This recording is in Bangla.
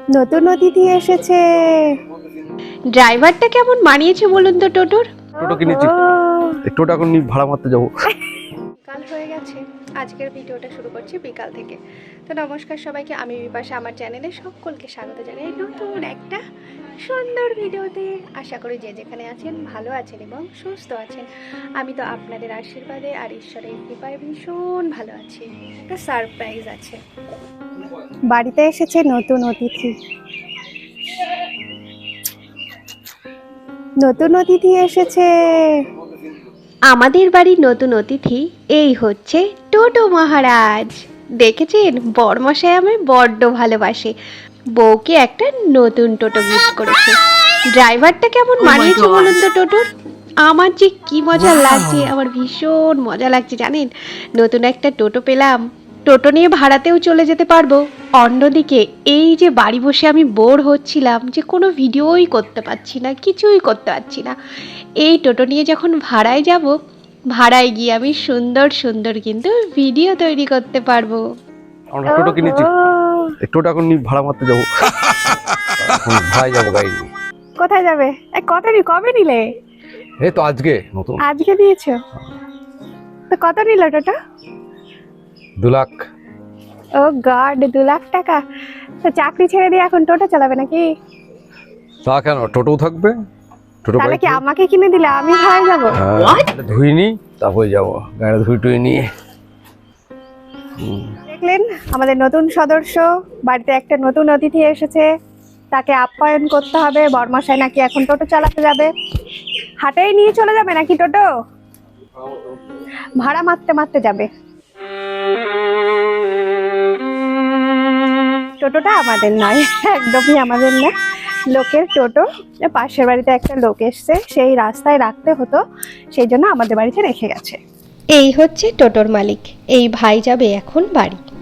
নতুন অতিথি এসেছে। ড্রাইভারটা কেমন মানিয়েছে বলুন তো টোটোর? টোটো কিনেছি, টোটো এখন ভাড়া মারতে যাবো। বিকাল হয়ে গেছে, আজকের ভিডিওটা শুরু করছি বিকাল থেকে। তো নমস্কার সবাইকে, আমি বিপাশা, আমার চ্যানেলে সকলকে স্বাগত জানাই নতুন একটা সুন্দর ভিডিওতে। আশা করি যে যেখানে আছেন ভালো আছেন এবং সুস্থ আছেন। আমি তো আপনাদের আশীর্বাদে আর ঈশ্বরের কৃপায় ভীষণ ভালো আছি। একটা সারপ্রাইজ আছে, বাড়িতে এসেছে নতুন অতিথি। নতুন অতিথি এসেছে। আমাদের বাড়ির নতুন অতিথি এই হচ্ছে টোটো মহারাজ। দেখেছেন, বরমশাই আমায় বড্ড ভালোবাসে। বউকে একটা নতুন টোটো গিফট করেছে। ড্রাইভারটা কেমন মানিয়েছে বলুন তো টোটোর? আমার যে কি মজা লাগছে, আমার ভীষণ মজা লাগছে জানেন। নতুন একটা টোটো পেলাম, টোটো নিয়ে ভাড়াতেও চলে যেতে পারবো। অন্যদিকে এই যে বাড়ি বসে আমি বোর হচ্ছিলাম, যে কোনো ভিডিওই করতে পারছি না, কিছুই করতে পারছি না, এই টোটো নিয়ে যখন ভাড়ায় যাব, ভাড়ায় গিয়ে আমি সুন্দর সুন্দর কিন্তু ভিডিও তৈরি করতে পারবো। আমরা টোটো কিনেছি, টোটো এখন ভাড়া মারতে যাবো। ভাই যাবো গাড়ি নিয়ে। কোথায় যাবে? কবে নিলে? এই তো আজকে নতুন। আজকে দিয়েছো? তো কত নিল টোটো? 2 লাখ। ও গড, 2 লাখ টাকা! তো চাকরি ছেড়ে দিয়ে এখন টোটো চালাবে নাকি? তা কেন, টোটোও থাকবে। টোটো তাহলে কি আমাকে কিনে দিলে আমি ভাড়ায় যাবো? ধুইনি, তারপরে যাবো গাড়ি ধুই নিয়ে। দেখলেন, আমাদের নতুন সদস্য, বাড়িতে একটা নতুন অতিথি এসেছে, তাকে আপ্যায়ন করতে হবে। বরমশাই নাকি এখন টোটো চালাতে যাবে। হাটেই নিয়ে চলে যাবে নাকি টোটো? ভাড়া মারতে মারতে যাবে। টোটোটা আমাদের নয়, একদমই আমাদের না, লোকের টোটো। পাশের বাড়িতে একটা লোক এসছে, সেই রাস্তায় রাখতে হতো, সেই জন্য আমাদের বাড়িতে রেখে গেছে। এই হচ্ছে টোটোর মালিক। এই ভাই যাবে এখন বাড়ি।